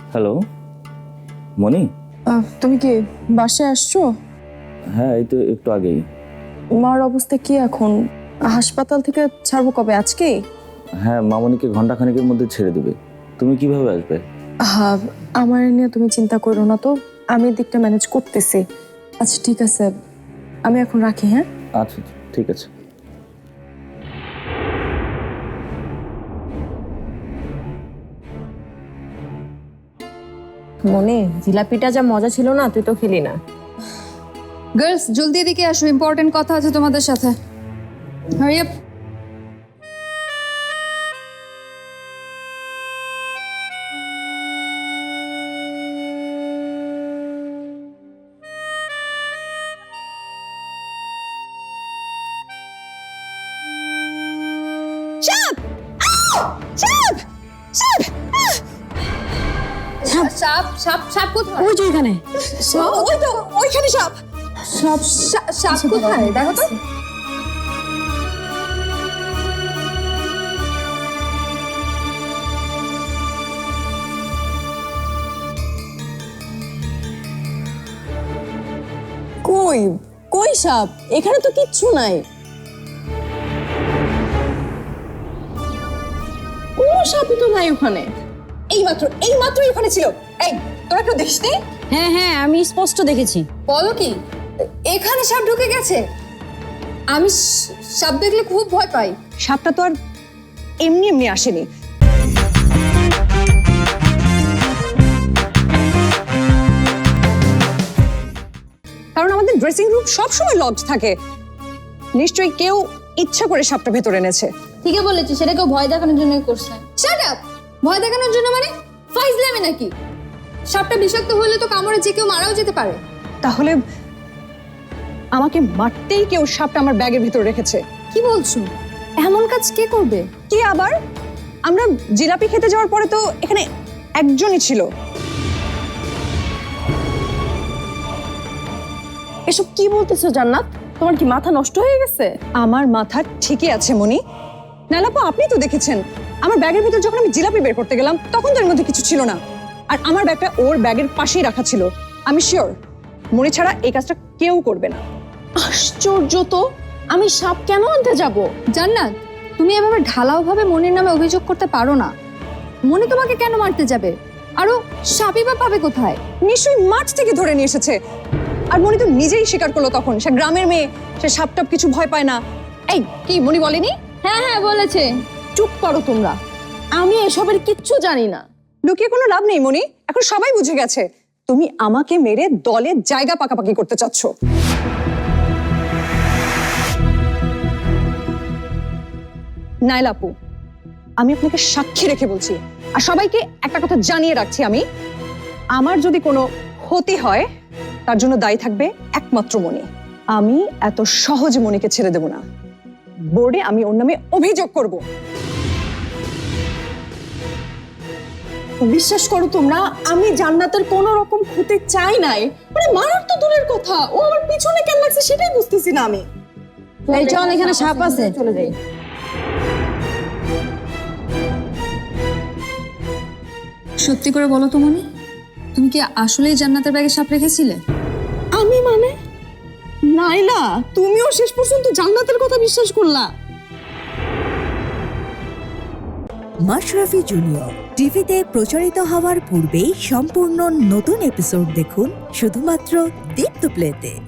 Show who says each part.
Speaker 1: Hello মনি।
Speaker 2: তুমি কি বাসায় আসছো?
Speaker 1: হ্যাঁ, এই তো একটু আগেই।
Speaker 2: মার অবস্থা কি এখন? হাসপাতাল থেকে ছাড়বো কবে? আজকেই?
Speaker 1: হ্যাঁ, মামনিকে ঘন্টাখানেকের মধ্যে ছেড়ে দেবে। তুমি কিভাবে আসবে?
Speaker 2: আমার নিয়ে তুমি চিন্তা করো না তো, আমি দিকটা ম্যানেজ করতেছি। আচ্ছা ঠিক আছে, আমি এখন রাখি। হ্যাঁ
Speaker 1: আচ্ছা ঠিক আছে।
Speaker 3: মনে জিলাপিটা যা মজা ছিল না, তুই তো খেলি না।
Speaker 4: গার্লস জলদি এদিকে আসো, ইম্পর্টেন্ট কথা আছে তোমাদের সাথে। Hurry up. সাপ সাপ সাপ কোথায়?
Speaker 3: ওই যে এখানে
Speaker 4: ওই তো ওইখানে সাপ।
Speaker 2: সব
Speaker 4: সাপ কোথায় দেখো তো।
Speaker 2: কই কই সাপ? এখানে তো কিচ্ছু নাই, কোনো সাপই তো নাই ওখানে।
Speaker 4: এইমাত্র ওখানে ছিল। এই তোরা কেউ দেখিসনি?
Speaker 3: হ্যাঁ হ্যাঁ, আমি স্পষ্ট দেখেছি।
Speaker 4: বলো কি এখানে সাপ ঢুকে গেছে? আমি সাপ দেখলে খুব ভয় পাই।
Speaker 5: সাপটা তো আর এমনি এমনি আসেনি। কারণ আমাদের ড্রেসিং রুম সবসময় লকড থাকে। নিশ্চয়ই কেউ ইচ্ছা করে সাপটা ভেতরে এনেছে।
Speaker 4: ঠিকই বলেছি, সেটা কেউ ভয় দেখানোর জন্য করছে। Shut up! ভয় দেখানোর জন্য মানে ফাইজলামি নাকি? সাপটা বিষাক্ত হলে তো কামড়ে যে কেউ মারাও যেতে পারে।
Speaker 5: তাহলে আমাকে মারতেই কেউ সাপটা আমার ব্যাগের ভিতরে রেখেছে।
Speaker 4: কি বলছো? এমন কাজ কে করবে?
Speaker 5: কি আবার? আমরা জিলাপি খেতে যাওয়ার পরে তো এখানে একজনই ছিল।
Speaker 2: এসব কি বলতেছো জান্নাত? তোমার কি মাথা নষ্ট হয়ে গেছে?
Speaker 5: আমার মাথা ঠিকই আছে মনি। নালাপা, আপনি তো দেখেছেন আমার ব্যাগের ভিতর যখন আমি জিলাপি বের করতে গেলাম তখন তো এর মধ্যে কিছু ছিল না। আর আমার ব্যাগটা ওর ব্যাগের পাশেই রাখা ছিল। আমি শিওর মনি ছাড়া এই কাজটা কেউ করবে না।
Speaker 2: আশ্চর্য তো, আমি সাপ কেন আনতে যাব?
Speaker 4: জান্নাত, তুমি এভাবে ঢালাওভাবে মনির নামে অভিযোগ করতে পারো না। মনি তোমাকে কেন মারতে যাবে? আরো সাপই বা পাবে কোথায়?
Speaker 5: নিশ্চয়ই মাঠ থেকে ধরে নিয়ে এসেছে। আর মনি তো নিজেই স্বীকার করলো তখন সে গ্রামের মেয়ে, সে সাপটাপ কিছু ভয় পায় না। এই কি মনি বলেনি?
Speaker 4: হ্যাঁ হ্যাঁ বলেছে।
Speaker 2: চুপ করো তোমরা, আমি এসবের কিচ্ছু জানি না।
Speaker 5: লুকিয়ে কোনো লাভ নেই মনি, এখন সবাই বুঝে গেছে তুমি আমাকে মেরে দলের জায়গা পাকাপাকি করতে চাচ্ছ। নাইলা আপু, আমি আপনাকে সাক্ষী রেখে বলছি আর সবাইকে একটা কথা জানিয়ে রাখছি, আমি আমার যদি কোনো ক্ষতি হয় তার জন্য দায়ী থাকবে একমাত্র মনি। আমি এত সহজে মনিকে ছেড়ে দেব না। বোর্ডে আমি ওর নামে অভিযোগ করব।
Speaker 2: বিশ্বাস করো তোমরা, আমি জান্নাতের কোনো রকম ক্ষতি চাই নাই। মানে মারার তো দূরের কথা, ও আমার পিছনে কেন লাগছে সেটাই বুঝতেছি না আমি।
Speaker 3: এই চল, এখানে সাপ আছে, চলে যাই।
Speaker 4: সত্যি করে বলো তো মনি, তুমি কি আসলেই জান্নাতের ব্যাগে সাপ রেখেছিলে?
Speaker 2: আমি মানে? নাইলা, তুমিও শেষ পর্যন্ত জান্নাতের কথা বিশ্বাস করলা?
Speaker 6: মাশরাফি জুনিয়র টিভিতে প্রচারিত হওয়ার পূর্বেই সম্পূর্ণ নতুন এপিসোড দেখুন শুধুমাত্র দীপ্ত প্লেতে।